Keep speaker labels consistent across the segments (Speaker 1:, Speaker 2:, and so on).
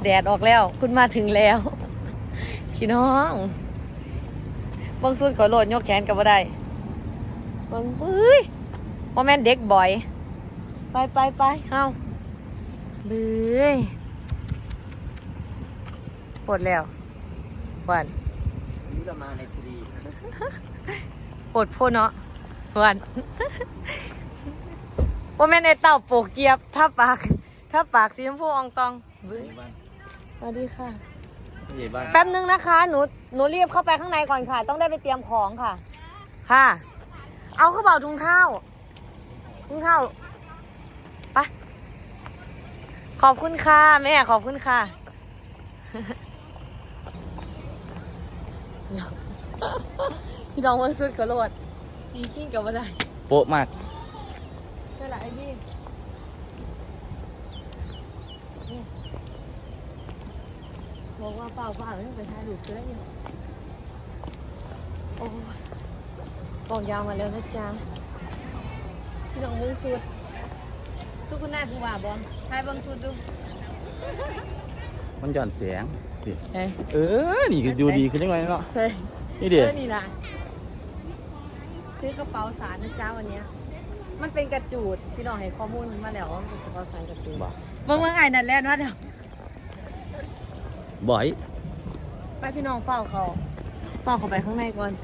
Speaker 1: แดดออกแล้วคุณมาถึงแล้วพี่น้องบางส่วนก็โหลดยกแขนกับว่าได้บางปุ้ยว่าแม่นเด็กบ่อยไปเฮาเบื่อปวดแล้ววัน
Speaker 2: นี่เรามาในทรี
Speaker 1: ปวดโพเนาะวันว่าแม่นไอเต่าโปกเกียบถ้าปากสีชมพูอองตองสวัสดีค่ะแป๊บนึงนะคะหนูรีบเข้าไปข้างในก่อนค่ะต้องได้ไปเตรียมของค่ะค่ะเอาข้าวเปล่าถุงข้าวไปขอบคุณค่ะแม่ขอบคุณค่ะพี่น้องวันสุดกระโดดตีขี้กับอะไร
Speaker 2: โป๊ะมาก
Speaker 1: เท่าไหร่ไอ้พี่บอกว่าเปล่าไม่ต้องไปถ่ายรูปเสื้ออยู่โอ้กองยาวมาแล้วนะจ๊ะพี่น้องมุ้งสุดคือคุณนายผู้ว่าบอลถ่ายบางสุดดู
Speaker 2: มันหย่อนเสียงนี่คือดูดีขึ้นยังไงเนาะ
Speaker 1: ใช่
Speaker 2: นี่เดี๋ยว
Speaker 1: นี่นะซื้อกระเป๋าสารนะจ๊ะวันนี้มันเป็นกระจูดพี่น้องให้ข้อมูลมาแล้วว่าเป็นกระเป๋าสารกระจูดเมื่อไงนั่นแหละนะเดี๋ยว
Speaker 2: บ่อย
Speaker 1: ไปพี่น้องเฝ้าเขาไปข้างในก่อน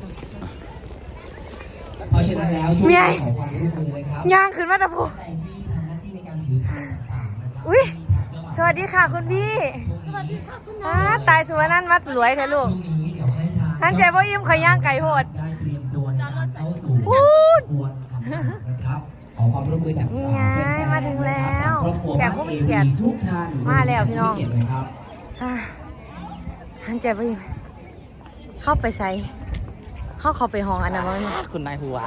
Speaker 3: เพราะฉะนั้นแล้วช่วงขอความร่วมมือเลยครับ
Speaker 1: ย่างขึ้นมาตะพู
Speaker 3: ที่ทำหน้าที่ในการถือพานต่างๆนะครับ
Speaker 1: อุ้ยสวัสดีค่ะคุณพี่สวัสดีค่ะคุณน้าตายสุวรรณวัดรวยเถอะลูกท่านใจพ่อยิ้มขย่างไก่โหด
Speaker 3: ได้เตรียมตัวในการเข้าสู่ขบวนคำนะครับขอความร่วมมือจาก
Speaker 1: มาถึงแล้วแขกผู้มีเกียรติ
Speaker 3: ทุกท่าน
Speaker 1: มาแล้วพี่น้องท่านใจพ่อยิ้มเข้าไปใส่เข้าไปห้องอันนั้นมั้ง
Speaker 2: คุณนายหัว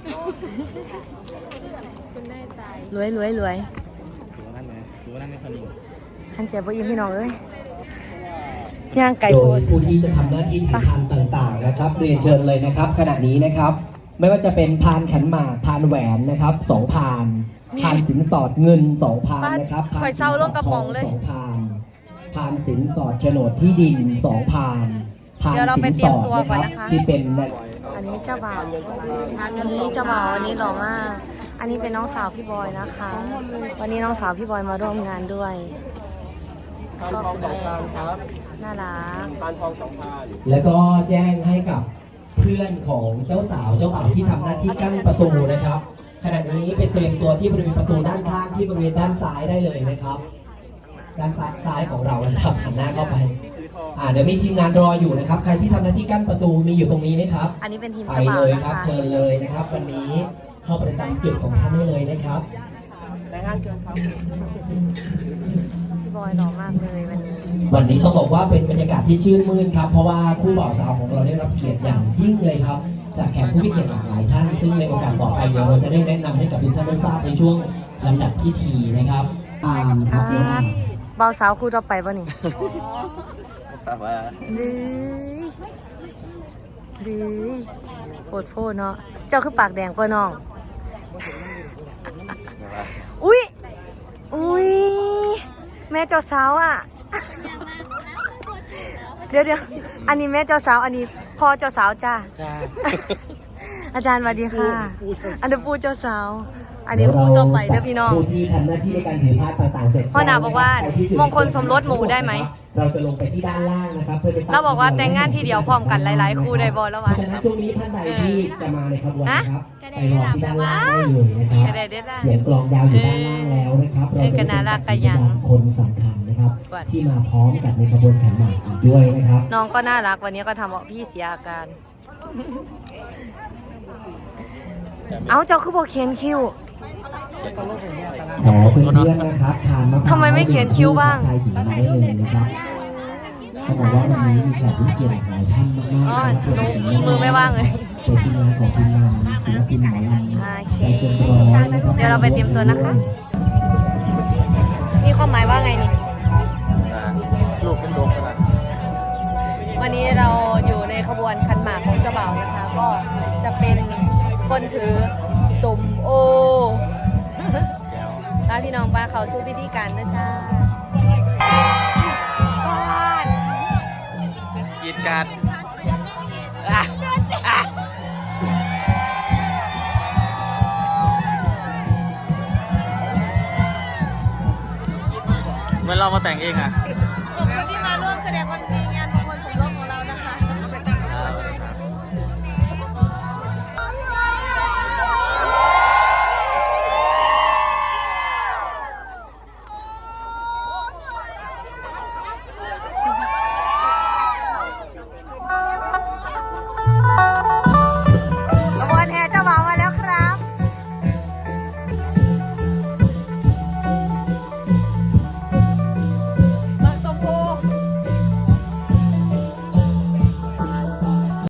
Speaker 1: คุณนายตายรวย
Speaker 2: สูงนั่นไม่คนนี้
Speaker 1: ท่านเจ็บบ่ยิ้มพี่น้องเลยย่างไก่โหด
Speaker 3: ผู้ที่จะทำหน้าที่ถือพานต่างๆนะครับเรียนเชิญเลยนะครับขณะนี้นะครับไม่ว่าจะเป็นพานขันหมากพานแหวนนะครับ2 พานสินสอดเงิน2 พานนะครับ
Speaker 1: คอยเศร้าลงกระป๋องเลย
Speaker 3: 2 พานสินสอดโฉนดที่ดิน2 พาน
Speaker 1: เดี๋ยวเราไปเตรียมตัวก่อนนะคะ
Speaker 3: ที่เป็น
Speaker 1: อันนี้เจ้าบ่าวอันนี้เจ้าบ่าววันนี้หล่อมากอันนี้เป็นน้องสาวพี่บอยนะคะวันนี้น้องสาวพี่บอยมาร่วมงานด้วยก็คุณแม่น่ารัก
Speaker 2: พานทอง2 พาน
Speaker 3: แล้วก็แจ้งให้กับเพื่อนของเจ้าสาวเจ้าบ่าวที่ทำหน้าที่กั้นประตูนะครับขณะนี้เป็นเตรียมตัวที่บริเวณประตูด้านข้างที่บริเวณด้านซ้ายได้เลยนะครับด้านซ้ายของเรานะครับหันหน้าเข้าไปเดี๋ยวมีทีมงานรออยู่นะครับใครที่ทำหน้าที่กั้นประตูมีอยู่ตรงนี้ไหมครับ
Speaker 1: อันนี้เป็นทีม
Speaker 3: ไปเลยครับเชิญเลยนะครับวันนี้เข้าประจำจุดของท่านได้เลยนะครับ
Speaker 1: พี่บอยหล่อมากเลยวัน
Speaker 3: นี้ต้องบอกว่าเป็นบรรยากาศที่ชื่นมื่นครับเพราะว่าคู่บ่าวสาวของเราได้รับเกียรติอย่างยิ่งเลยครับจากแขกผู้มีเกียรติหลากหลายท่านซึ่งในโอกาสต่อไปเดี๋ยวเราจะได้แนะนำให้กับทุกท่านได้ทราบในช่วงลำดับพิธีนะครับ
Speaker 1: บ่าวสาวคู่ต่อไปป่ะนี่
Speaker 2: แต่ว่า
Speaker 1: ดื้อโคตรโฟเนาะเจ้าคือปากแดงกว่าน้องอุ้ยแม่เจ้าสาวอ่ะเดี๋ยวอันนี้แม่เจ้าสาวอันนี้พ่อเจ้าสาวจ้าอาจารย์สวัสดีค่ะอันนี้ปู่เจ้าสาวอันนี้คู่ต่อไปเด้อพี่น้อง
Speaker 3: ผู้ที่ทำหน้าที่ในการถือผ้าต่างๆเสร็จ
Speaker 1: พ่อดาบอกว่ามงคลสมรสหมู่ได้ไหม
Speaker 3: เราจะลงไปที่ด้านล่างนะครับเพื่อ
Speaker 1: เราบอกว่าแต่งงานทีเดียวพร้อมกันหลายๆคู่ได้บอลแล้ววะ
Speaker 3: ช่วงนี้ท่านใดที่จะมาในขบวนนะครับไปรอที่ด้านล่างได้เลยนะครับเสียงกลองยาวอยู่ด้านล่างแล้วนะครับเราจะเป็นคนสำคัญนะครับที่มาพร้อมกับในขบวนขันหมากอีกด้วยนะครับ
Speaker 1: น้องก็น่ารักวันนี้ก็ทำเอาพี่เสียอาการเอาเจ้าคือบอกเขียนคิว
Speaker 3: ขอเพื่อนๆนะครับทาน
Speaker 1: ทำไมไม่เขียนคิ้วบ้าง
Speaker 3: ชายหญิงมาได้เลยนะครับเขาบอกว่าวันนี้มีแขกผู้เกียรติหลายท่านมาก
Speaker 1: ๆหนูมือไม่ว่างเลย
Speaker 3: เป็นทีมงานของทีมงานศิลปินหมอลำใจเกินร้อย
Speaker 1: เดี๋ยวเราไปเตรียมตัวนะคะมีความหมายว่าไงนี่
Speaker 2: ลูกเป็นลูกขนาด
Speaker 1: วันนี้เราอยู่ในขบวนขันหมากของเจ้าบ่าวนะคะก็จะเป็นคนถือสมโอพาพี่น้องไปเขาสู้พิธีการนะจ๊ะ
Speaker 2: เหมือนเรามาแต่งเองอ่ะ
Speaker 1: ขอบคุณที่มาร่วมแสดงความดีงานมง